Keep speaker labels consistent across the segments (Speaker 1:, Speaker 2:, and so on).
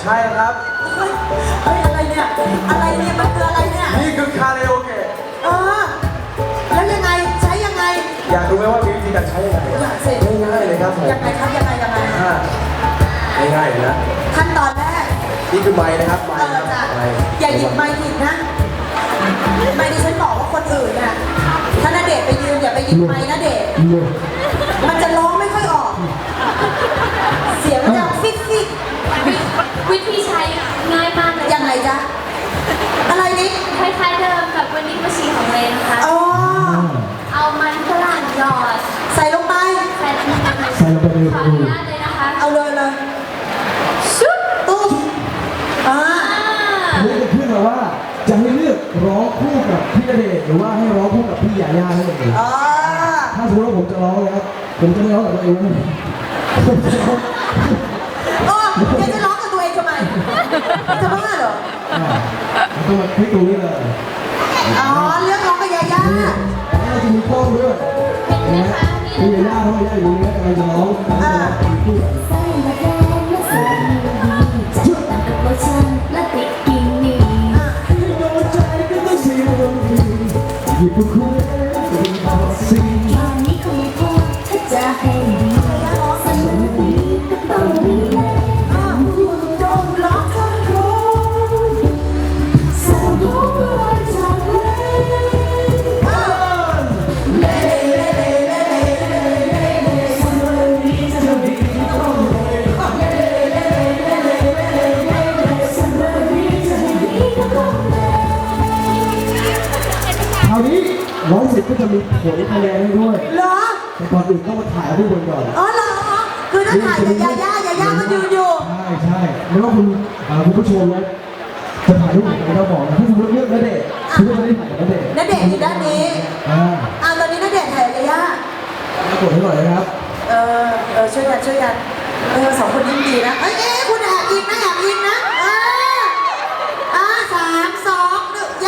Speaker 1: ช่ครับ
Speaker 2: เฮ้ยอะไรเนี่ยอะไรเนี่ยมันคืออะไรเนี่ย
Speaker 1: นี่คือคาราโอเกะ
Speaker 2: แล้วยังไงใช้ยังไง
Speaker 1: อยากรู้ไหมว่ามีวิธีการใช้ยังไง
Speaker 2: อยากสิ
Speaker 1: ง่ายๆเลยครับผม
Speaker 2: ยังไงครับยังไง
Speaker 1: ง่ายๆเลยนะ
Speaker 2: ขั้นตอนแรก
Speaker 1: นี่คือไม้นะครับไม้ครับ
Speaker 2: อย่าหยิบไม้ผิดนะไม้ที่ฉันบอกว่าคนอื่นน่ะถ้าณเดชน์ไปยืนอย่าไปหยิบไม้ณเดชน์มันจะร้องไม่ค่อยออกเสียงมันจะฟิก
Speaker 3: วิธีใช้ง่ายมากเลย
Speaker 2: ยังไงจ๊ะอะไรนี่
Speaker 3: คล้ายๆเดิมกับวันนี้มาชีของเลนนะคะเอามันฝรั่งหยอด
Speaker 2: ใส่ลงไป
Speaker 3: ใส่ลงไปขออนุญาตเลยนะคะ
Speaker 2: เอาเลยชุบตุ้ม
Speaker 4: นี่จะขึ้นมาว่าจะให้เลือกร้องคู่กับพี่ณเดชน์หรือว่าให้ร้องคู่กับพี่ยาย่าให้เองถ้าสมมติว่าผมจะร้องนะครับผมจะไม่ร้องกับตัวเองนะ
Speaker 2: แกจะร้องกับตัวเองทำไมจะบ้าเหรอ
Speaker 4: ต้องมาคลิกตรงนี้เลย
Speaker 2: เลือกร้องกับยาย่า
Speaker 4: แล้วเราจะมีกล้องด้วย
Speaker 3: เห็นไหมคะ
Speaker 4: พี่ยาย่าเพราะยาย่าอยู่นี้กำลังจะร้องคู่หยิบคู่สิ่ง
Speaker 3: นี้คงพอถ้าจะให้ดีสักทีก็ต้องมี
Speaker 2: จงรักทั้งคน
Speaker 3: สักวันจาก
Speaker 4: คราวนี้ร้องเสร็จก็จะมีผลคะแนนให้ด้วย
Speaker 2: เหรอ
Speaker 4: แต่ก่อนอื่นต้องมาถ่ายรูปกันก่อน
Speaker 2: เหรอคือถ้าถ่ายกับยาย่าก็ยืนอยู่
Speaker 4: ใช่ไม่ว่าคุณผู้ชมนะจะถ่ายรูปกับเราบอกนะถ้าสมมติเลือกณเดชน์คุณก็จะได้ถ่ายกับณเดชน์
Speaker 2: อยู่ด้านนี้ตอนนี้ณเดชน์ถ่ายกับยาย่
Speaker 4: ากดให้หน่อยนะครับ
Speaker 2: ช่วยกันสองคนยิ้มดีนะคุณแอบยิงนะ3 2 1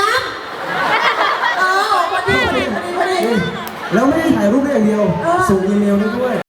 Speaker 2: ย้ำพอดี
Speaker 4: แล้วไม่ได้ถ่ายรูปได้อย่างเดียวส่งอีเมลได้ด้วย